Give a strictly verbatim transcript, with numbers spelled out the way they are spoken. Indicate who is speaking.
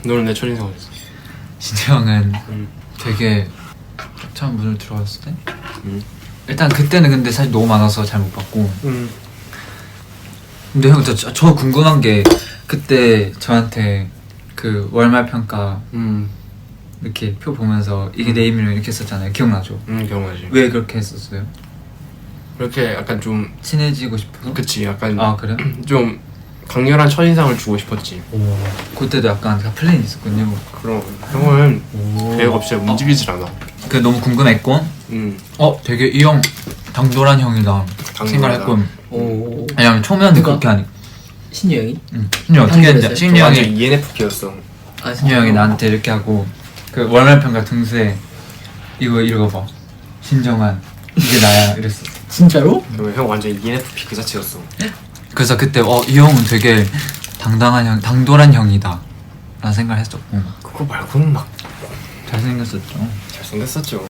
Speaker 1: 너는 내 첫인상 어땠어?
Speaker 2: 진짜 형은
Speaker 1: 음.
Speaker 2: 되게 처음 문을 들어왔을 때
Speaker 1: 음.
Speaker 2: 일단 그때는 근데 사실 너무 많아서 잘 못 봤고
Speaker 1: 음.
Speaker 2: 근데 형 저, 저 궁금한 게 그때 저한테 그 월말 평가
Speaker 1: 음.
Speaker 2: 이렇게 표 보면서 이게 내 이름이랑 이렇게 썼잖아요. 기억나죠?
Speaker 1: 음 기억나지.
Speaker 2: 왜 그렇게 했었어요?
Speaker 1: 그렇게 약간 좀
Speaker 2: 친해지고 싶어서?
Speaker 1: 그치 약간
Speaker 2: 아 그래요?
Speaker 1: 좀 강렬한 첫인상을 주고 싶었지.
Speaker 2: 오 그때도 약간 다 플랜이 있었군요.
Speaker 1: 그럼 형은
Speaker 2: 오.
Speaker 1: 계획 없이 움직이질 않아.
Speaker 2: 그게 너무 궁금했고
Speaker 1: 음.
Speaker 2: 어 되게 이 형 당돌한 형이다 생각을 했고
Speaker 3: 오.
Speaker 2: 왜냐면 초면은
Speaker 3: 누가?
Speaker 2: 그렇게 하니
Speaker 3: 신유 형이?
Speaker 2: 응. 신이 어떻게 했는지
Speaker 3: 당돌했어요?
Speaker 2: 신이
Speaker 1: 완전
Speaker 2: 형이
Speaker 1: 이엔에프피였어.
Speaker 3: 아
Speaker 2: 신이 형이 나한테 이렇게 하고 그 월말 평가 등수에 이거 읽어봐 신정한 이게 나야 이랬어.
Speaker 3: 진짜로?
Speaker 1: 그러면 형 완전 이엔에프피 그 자체였어.
Speaker 2: 그래서 그때 어 이 형은 되게 당당한 형 당돌한 형이다 라는 생각을 했었고
Speaker 1: 그거 말고는 막
Speaker 2: 잘생겼었죠.
Speaker 1: 잘생겼었죠.